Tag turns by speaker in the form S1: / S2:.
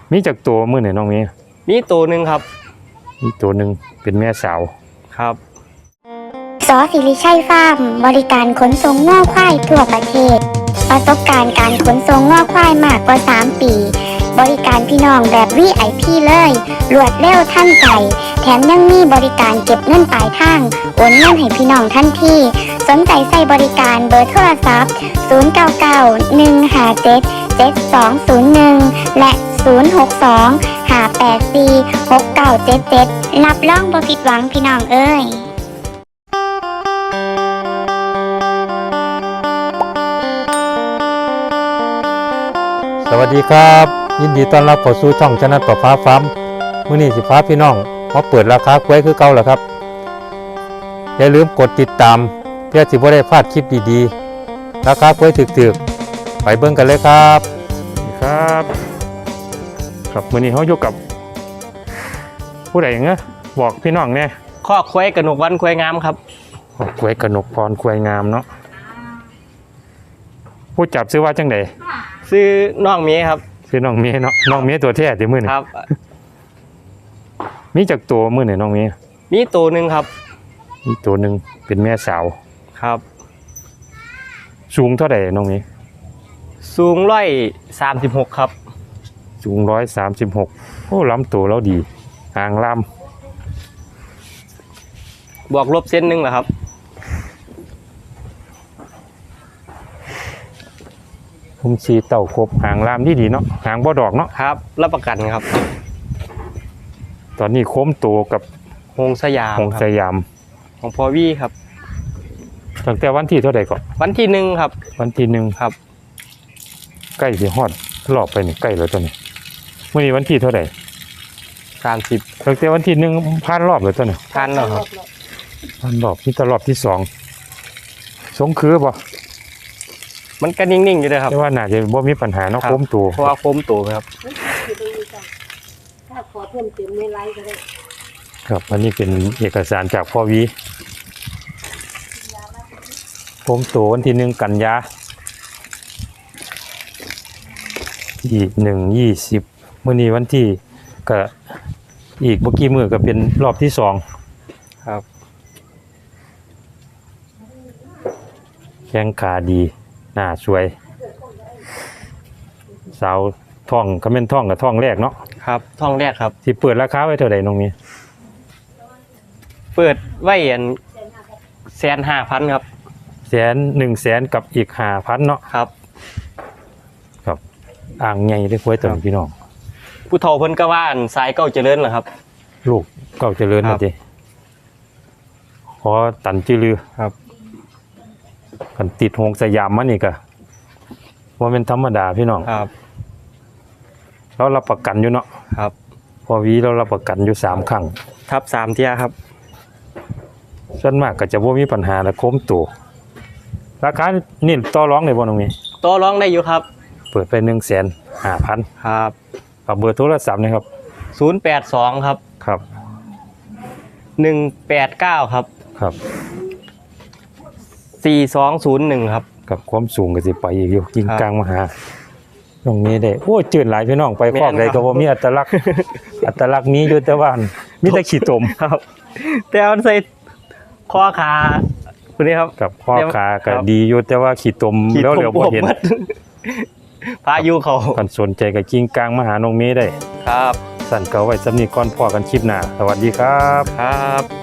S1: มีจากตัวมือไหนน้องมี
S2: มีตัวหนึ่งครับ
S1: มีตัวหนึ่งเป็นแม่สาว
S2: ครับ
S3: สศิริชัยฟาร์มบริการขนส่งง่อควายทั่วประเทศประสบการณ์การขนส่งง่อควายมากกว่า3 ปีบริการพี่น้องแบบ VIP เลยรวดเร็วทันใจแถมยังมีบริการเก็บเงินปลายทางโอนเงินให้พี่น้องทันทีสนใจใส่บริการเบอร์โทรศัพท์0991577201และ062-584-6977รับรองบ่ผิดหวังพี่น้องเอ้ย
S1: สวัสดีครับยินดีต้อนรับเข้าสู่ช่องชนะต่อฟ้าฟ้ามื้อนี้สิฟ้าพี่น้องมาเปิดราคากล้วยคือเก่าแล้วครับอย่าลืมกดติดตามเพื่อสิบ่ได้พลาดคลิปดีๆราคากล้วยถึกๆไปเบิ่งกันเลยครับครับครับมื้อนี้เฮาอยู่กับผู้ใดเงี้ยบอกพี่น้องแน่
S2: ข้อควายกระหนกวันควายงามครับ
S1: กล้วยกนกพรกล้วยงามเนาะผู้จับซื้อว่าจังได๋
S2: ซื้อน้องเมียครับ
S1: ซื้อน้องเมียเนาะน้องเมียตัวแท้ติมื้อนี้
S2: ครับ
S1: มีจากตัวมื้อนี้น้องเมีย
S2: มีตัวหนึ่งครับ
S1: มีตัวหนึ่งเป็นแม่สาว
S2: ครับ
S1: สูงเท่าไหร่น้องเมีย
S2: สูง136ครับ
S1: สูง136โอ้ลำตัวแล้วดีหางลำ
S2: บวกลบเส้นหนึ่งเหรอครับ
S1: ผมสีเต่าครบหางลามดีเนาะหางบ่ดอกเนาะ
S2: ครับรับประกันครับ
S1: ตอนนี้โค้มตัวกับ
S2: หงสยามของพอวี่ครับ
S1: ตั้งแต่วันที่เท่าไหร่ก่อน
S2: วันที่1ครับ
S1: วันที่1
S2: ครับ
S1: ใกล้สิฮอดรอบไปนี่ใกล้แล้วตอนนี้มื้อนี้วันที่เท่าไหร่
S2: 30
S1: ตั้งแต่วันที่1ผ่านรอบแล้วตอนนี้
S2: ผ่านแล้วครับ
S1: ผ่านรอบที่รอบที่2สงคือบ่
S2: มันก็นิ่งๆอยู่เลยครับ
S1: แต่ว่าน่าจะบ่มีปัญหาเนาะโค้มตัว
S2: เพราะว่าโค้มตัวครับ
S4: ถ้าขอเพิ่มเติมในไลน์ก็ได้
S1: ครับอันนี้เป็นเอกสารจากพ่อวีโค้มตัววันที่1กันยาที่1/20มื้อนี้วันที่ก็อีกเมื่อกี้มื้อก็เป็นรอบที่2
S2: ครับ
S1: แข้งขาดีหน้าสวยสาวท่องก็เป็นท่องกับท่องแรกเนาะ
S2: ครับท่องแรกครับ
S1: ที่เปิดราคาไว้เท่าไหร่น้องมี
S2: เปิดไว้150,000ครับ
S1: 100,000กับอีก5,000เนาะ
S2: ครับ
S1: ครับอ่างใหญ่ได้คุยตัวพี่น้อง
S2: ผู้เฒ่าเพิ่นก็ว่าสายเก้าเจริญเหรอครับ
S1: ลูกเก้าเจริญนะจิขอตันจือลือ
S2: ครับ
S1: กันติดหงสยามมันนี่ก็ว่าเป็นธรรมดาพี่น้อง
S2: ครับ
S1: เรารับประกันอยู่เนาะ
S2: ครับ
S1: พอวีเรารับประกันอยู่3ครั้ง
S2: ครับ3เที่ยครับ
S1: ส่วนมากก็จะบ่มีปัญหาและโค้มตัวราคานี่ต่อรองได้บ่น้องมี
S2: ต่อรองได้อยู่ครับ
S1: เปิดไป150,000
S2: ครับ
S1: กับเบอร์โทรศัพท์นะครับ
S2: 082ครับ
S1: ครับ
S2: 189ครับ
S1: ครับ
S2: 4201ครับ
S1: กับความสูงก็สิไปอีกอยู่กิ่งกลางมาหาตรงนี้ได้โอ้จืดหลายพี่น้องไปครอบใดก็บ่มีอัตลักษณ์นี้อยู่แต่ว่ามีแต่ขี้ตม
S2: ครับแต่เอาใส่ข้อขาคนนี้ครับ
S1: กับข้อขาก็ดีอยู่แต่ว่าขี้ตมแล้วเหลียวบ่เห็น
S2: พายุเขา
S1: กันสนใจกับกิ่งกลางมาหาน้องเมย์ได้
S2: ครับ
S1: สั่นเก่าไว้สำนีก่อนพอกันคลิปหน้าสวัสดีครับ
S2: ครับ